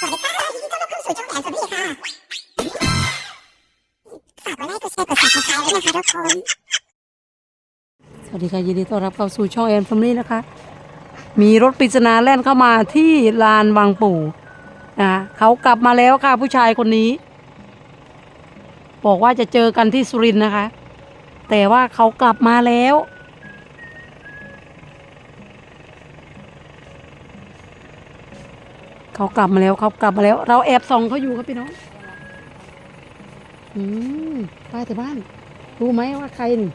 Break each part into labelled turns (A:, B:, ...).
A: สวัสดีค่ะยินดีต้อนรับเข้าสู่ช่องแอนโทนี่ค่ะฝากกดไลค์กดแชร์กด Subscribe ด้วยนะคะทุกคน
B: สวัสดีค่ะยินดีต้อนรับเข้าสู่ช่องแอนฟมิลี่นะคะมีรถปริศนาแล่นเข้ามาที่ลานบางปู่นะเขากลับมาแล้วค่ะผู้ชายคนนี้บอกว่าจะเจอกันที่สุรินทร์นะคะแต่ว่าเขากลับมาแล้วเขากลับมาแล้วเราแอบส่องเขาอยู่ครับพี่น้องป้าแต่บ้านรู้ไหมว่าใครนี่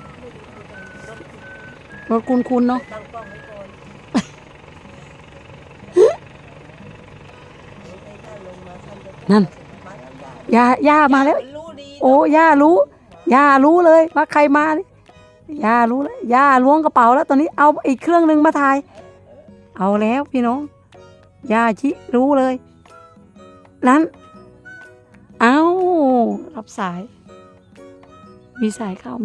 B: รถคุณเนาะนั่นย่ามาแล้วโอ้ย่ารู้เลยว่าใครมานี่ย่ารู้แล้วย่าล้วงกระเป๋าแล้วตอนนี้เอาอีกเครื่องนึงมาถ่ายเอาแล้วพี่น้องย่าชิรู้เลยนั้นเอารับสายมีสายเข้า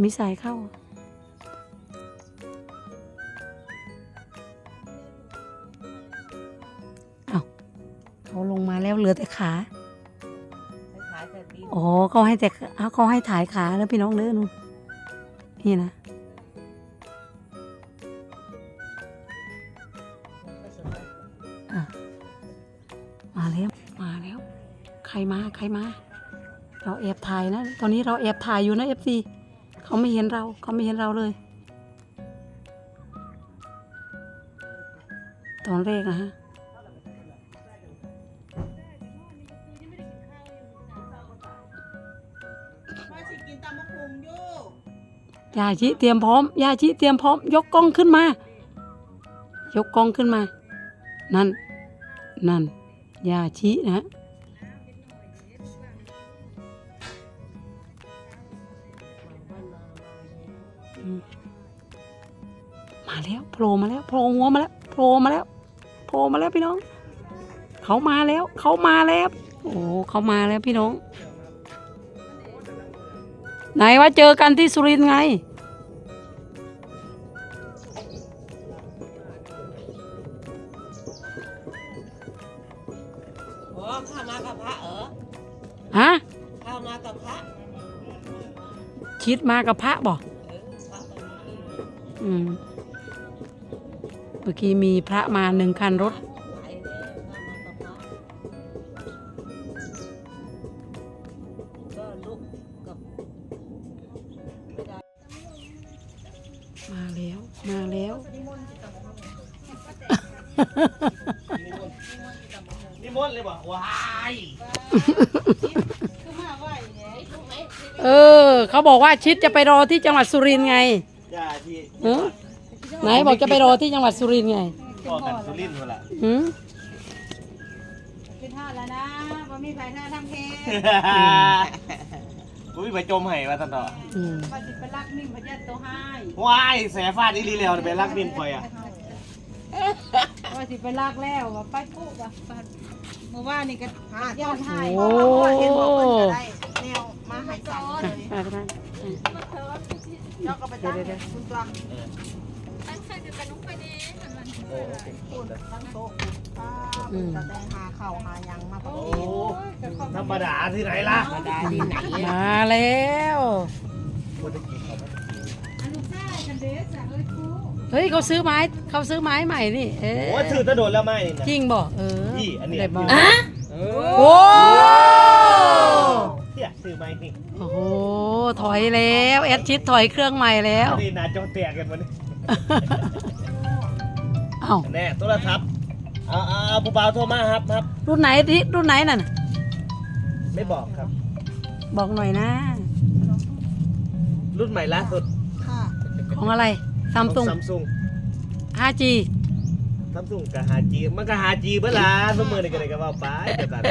B: เอาเขาลงมาแล้วเหลือแต่ขาอ๋อเขาให้ถ่ายขาแล้วพี่น้องเด้อนู่นนี่นะมาแล้วใครมาเราแอบถ่ายนะตอนนี้เราแอบถ่ายอยู่นะ FC เขาไม่เห็นเราเลยตอนแรกนะฮะยาชิเตรียมพร้อมยกกล้องขึ้นมานั่นยาชินะมาแล้วโผล่มาแล้วโผล่หัวมาแล้วพี่น้องเขามาแล้วโอ้เขามาแล้วพี่น้องไหนว่าเจอกันที่สุรินทร์ไง
C: ข้ามากับพระ
B: ฮะ
C: ข้ามากับพระ
B: ชิดมากับพระบอกเมื่อกี้มีพระมา1 คันรถมาแล้ว
D: นิมนต์เลยบอกว้าย
B: เขาบอกว่าชิดจะไปรอที่จังหวัดสุรินทร์ไงไหนบอกจะไปรอที่จังหวัดสุรินทร์ไง
D: พ่อกันสุรินทร์หมดละ
C: เป็นท่าแล้วนะว่ามีไผ่หน้าทำเพล
D: กูมีไปจมให้มาตันต่อ
C: ว่าสิไปรักนิ่มพยัญชนะตัวให้
D: ว้ายแสฟาดอีลีแล้วไปรักนิ่มคอย
C: ว่าสิไปรักแล้วว่าไปปุ๊บว่าเมื่อวานนี่ก็ย้อนให้เห็นบอกว่าจะได้แนวมาให้กันเจ้าก็ไปตั้งคุณตัวตั้งใครจะเป็นน้องไปดีตั้งโต๊ะจะได้หาข้าวหายังมาพอดี
D: ธรรมดาที่ไหนล่ะ
B: มาแล้วเฮ้ยเขาซื้อไม้ใหม่นี่
D: โอ้ถือตะโดดแล้วไม่
B: จริงบอก
D: นี่อันนี้
B: โอ้
D: เนี่ยซื้อไม้นี่
B: โอ้โหถอยแล้วแอดชิดถอยเครื่องใหม่แล้ว
D: นี่นาจอแตกกันวันนี้
B: เอ้า
D: แน่โทรศัพท์ผู้บ่าวโทรมาครับ
B: รุ่นไหนนั่น
D: ไม่บอกครับ
B: บอกหน่อยนะ
D: รุ่นใหม่ล่าสุด
B: ของอะไรซัมซุง 5G
D: ซัมซุงกับ 5G มันก็ 5G เบิ่ล่ะซุมื้อนี้ก็ได้ก็ว่าไปแต่ตัด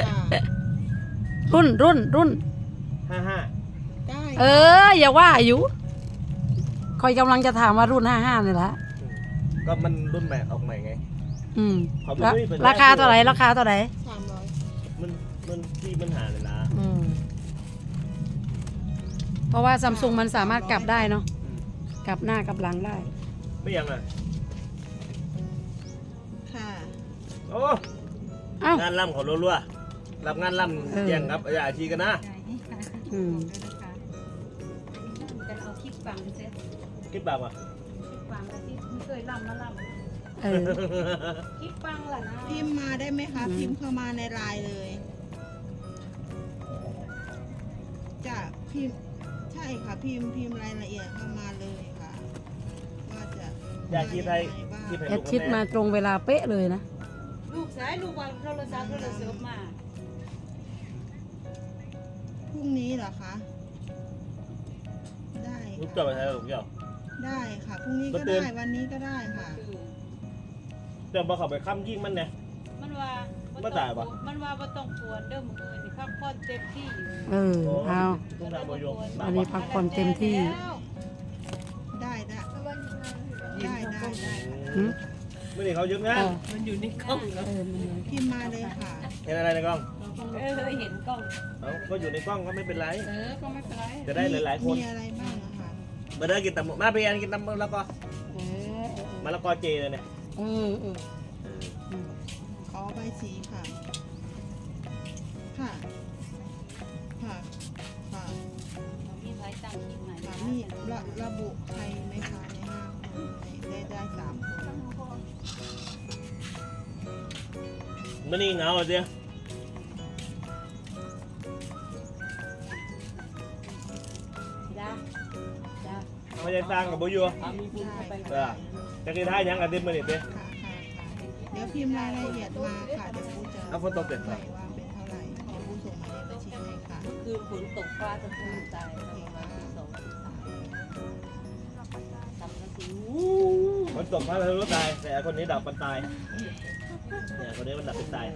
B: รุ่น
D: 55
C: ได้
B: อย่าว่าอยู่คอยกำลังจะถามว่ารุ่น55นี่แหละ
D: ก็มันรุ่นใหม่ออกใหม่ไง
B: ราคาเท่าไหร่
C: 300
D: มันที่มันหาเลยนะ
B: เพราะว่าซัมซุงมันสามารถกลับได้เนาะกลับหน้ากลับหลังได้
D: ไม่ยังอ่ะ
C: ค่ะ
D: โอ้
B: เอ้าง
D: านล่ำเขารัวๆรับงานล่ำแย่งครับอย่าชีกันนะ
B: อืม
C: กันเอาคลิปฟังเสร็จ
D: คิดแบบอ่ะ
C: คลิปฟังแล้วที่ไม่เคยล่ำมาล่
B: เออ
C: ำคลิปฟังล่ะนะ
E: พิมพ์มาได้ไหมคะ พิมพ์เข้ามาในไลน์เลยจะพิมพ์ใช่ค่ะ พิมพ์รายละเอียดเข้ามาเลยค่ะว่าจะ
D: อย่าชีไทย
E: ว่ายังไงบ้าง
D: ชีไทย
B: แอดชิดมาตรงเวลาเป๊ะเลยนะ
C: ลูกสายลูกวางโทรศัพท์โทรศัพท์มา
E: พรุ่งนี้เหรอคะได้
D: ลูก
E: ค่ะ
D: เจ้าไปไทยลูกเจ้า
E: ได้ค่ะพรุ่งนี้ก็
D: มาเตือน
E: ได้วันนี้ก็ได้ค่ะ
D: เจ้าบอกเขาไปค้ำยิ่งมันเนี่ย
C: มันว่า
D: บ่ตายปะ
C: มันว่าบ่ต้องปวดเด้อมื้ออื่นนี่พักผ่อนเต็มที่
B: เออเอา
D: ต้องทำประโยชน์
B: อันนี้พักผ่อนเต็มที่
E: ได้ได้ได้ได้ได้
B: หืม
D: ไม่ได้เขายึดงา
B: เอน อ
C: มันอยู่ในกล้อง
B: เออมันเลย
E: พิมพ์มาเลยค่ะ
D: เห็นอะไรในกล้อง
C: เห็นกล้อง
D: เอาก็อยู่ในกล้องก็ไม่เป็นไร
C: ก็ไม่เป็นไร
D: จะได้หลายๆคน
E: มีอะไรบ้างอะคะ
D: มาเด้อกินตำมาไปกินตำแล้วก็
B: เออ
D: มะละกอเจเลยเนี่ย
B: เออเออ
E: ขอใบสีค่ะ ค่ะ ค่ะค่ะ
C: มีไว้ตั้งคลิปใหม่
E: ค่ะนี่ระบุใครไหมคะในห้าคนได้3 คน
D: มันนี่เหงาเดียว
C: จ้าจ้า
D: ไม่ได้สร้างกับบุยู
C: มีบุญเข้าไป
D: จะกินท่ายังกันดิบมันนี่เด้
E: ค่ะค่ะเดี๋ยวพิมพ์รายละเอียดมาค่ะเดี๋ยวผู้จะ
D: เอาฝนตกเสร็จ
E: ให้
D: ป่ะ
E: ว่าเป็นเท่าไหร่เดี๋ยวผู้ส่งหมายเลขบัญชีให้ค่ะ
C: คืนฝนตกฟ้าตะพูตายประมาณ2 3สัมกะสี
D: มันตกพระรู้ตาย แต่คนนี้ดับมันตายเนี่ยคนนี้มันดับเป็นตาย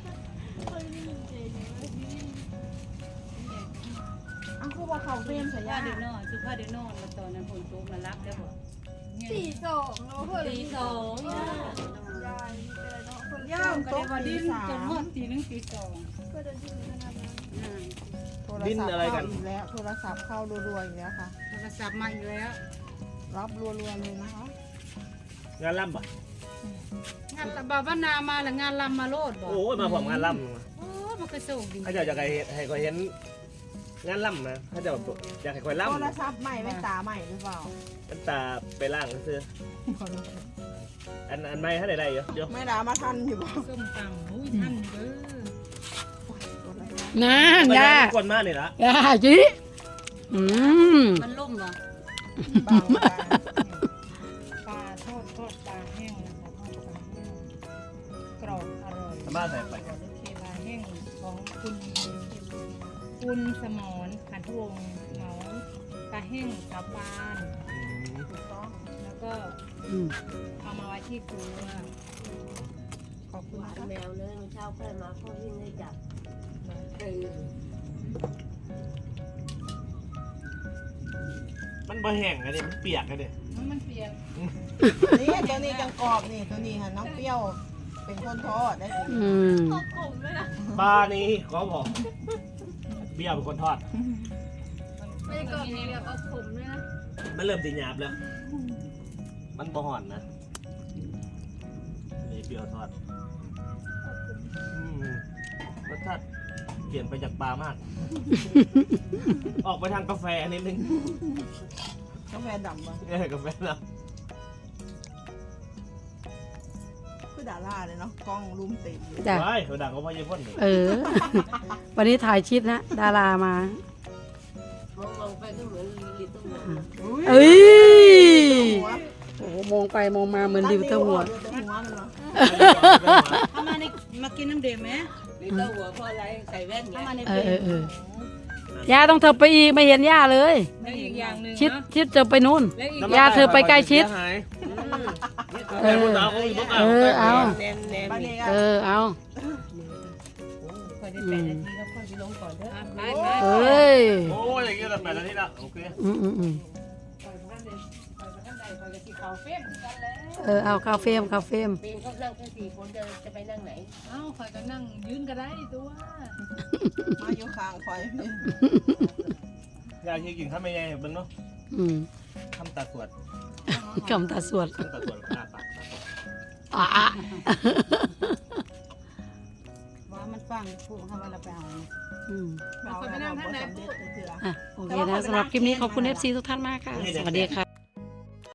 E: อ้าวคือว่าเขาเฟรมสัญ
C: ว่า
E: ญา
C: เดี๋ยวนอนสุภาพเดี๋ยวนอนมาตอนนั้นฝนตกมารับได้บ่
A: 4-2เนาะเพื่อน
C: ตีสองย่า
A: ยายเป็นไรเนาะเพื่อน
E: ย่ามโต๊ะ
C: ว่า
E: ตี
C: ดิ้น
E: สา
C: จน
E: ม
C: ฮอดตี 1 ตี 2
A: เพื่อนจะดิ้นขนาดนั้น
E: โทรศัพท์เข้าอีกแล้วโทรศัพท์เข้ารัวๆอีกแล้วค่ะ
C: โทรศัพท์มาอีกแล้ว
E: รับรัวๆเลยนะคะ
D: งานล่ำป่ะ
C: งานบ่าวนามาแล้วงานลำมาโลดบ่
D: โอ้ยมาผมงานล่
C: โอ้มันก็โชคดี
D: ำถ้าเจ้าอยากให้คอยเห็นงานล่ำนะถ้าเจ้าอยากให้คอยล่ำ
E: โทรศัพท์ใหม่แว่นตาใหม่หรือเปล่า
D: มันตาไปล่างซื้ออันไม่ถ้าได้เยอะเยอะ
E: ไม่ด่ามาทันอยู่บ่
C: ส้มตำอุ้ยท่านเด้อ
B: นั่นยา
D: คนมากเลยละ
B: ยาจีอืม
C: มันล่มเหรอบ
E: างมา
C: ปลาทอดปลาแห้งนะคะทอดปลาแห้งกรอบอร่อย
D: สามารถใส่ไป
C: ปลาแห้งของคุณสมรขันทวงศ์เหมาปลาแห้งกับปาน ถูกต้องแล้วก็
B: อืม
C: เอามาไว้ที่ครัวขอบคุณนะคะ
F: แมวเลยมันเช้าแค่มาเขาวิ่งให้จับ
D: มันบ่แห้งกันดิมันเปียกกันดิ
C: มันเปียก
E: นี่ตัวนี้จังกรอบนี่ตัวนี้ค่ะน้องเปรี้ยวเป็นคนทอดได้ตัวนี้
B: อืม
D: ปลานี้ขอบอกเบี้ยเป็นคนทอด
A: ไม่ได้ก่อนมีแบบเอาผมด้วยนะ
D: มันเริ่มติหยาบแล้ว มันบ่ห่อนนะนี่เบี้ยวทอดรสชาติเปลี่ยนไปจากปลามาก ออกไปทางกาแฟนิดนึง
E: กาแฟดำบ่
D: กาแฟนะ
E: คือดาราเลยเนาะกล้องรุมเต็มเลย
B: จ้ะ
D: ว้ายเขาดังเขาพายพ่นนี่
B: เออ วันนี้ถ่ายชิดนะ ดารามา
F: มองไปก็เหมือนลิตเติ้ลแมน
B: เอ้ย
E: หัว
B: โอ้โหมองไปมองมาเหมือนดิวเตอร์หัว
E: เดี๋ยวหัวมันเนาะ
C: เอามากินน้ำเดือดไหม
F: ลิตเติ้ลหัวเพราะอะไรใส่แว่นไง
C: เอามาใน
B: เอ
C: เป
B: อ
C: ลื
B: เออเออย่าต้องเธอไปอีกไม่เห็นย่าเลย
C: และอีกอย่างหนึ่ง
B: ชิด
C: เนาะ
B: ชิดเธอไปนู่น
C: และอีก
B: ย่าเธอไปใกล้ชิด
D: เออเอา
B: เออเอา
F: แนมแนม
E: บ้าน
F: นี่
E: นี้
B: เออเอา
C: คอยได้8 นาทีแล้วค่อยไปลงก่อนเด้อไป
B: เอ้ย
D: โอ้ยอย่างเงี้ยแบบนั้นนี่ละโอเค
B: อืมอืมอืม
C: คอยพันใดคอยพันใดคอยกะทิขาวเฟ้มกันแล้ว
B: เออเอาคาเฟ่มคาเฟ่ม
F: ปีนเขานั่งแค่4 คนจะไปนั่งไหน
C: เอ้าคอยก็นั่งยืนก็ได้ตัว
E: มาอยู่ข้างคอยพี่
D: อยากกินข้าวไม่ใหญ่เบิ่งเนาะ
B: อืม
D: ทำตาสวด
B: คำตาสวด
D: ทำตาสวดหน้าปาก
B: อ่ะ
E: ฟังผู้เขาว่าเราไปเอา
B: อืม
C: เราไปนั่งทางไหนพูด
B: อ่ะโอเคนะสำหรับคลิปนี้ขอบคุณ FC ทุกท่านมากค่ะ สวัสดีค่ะ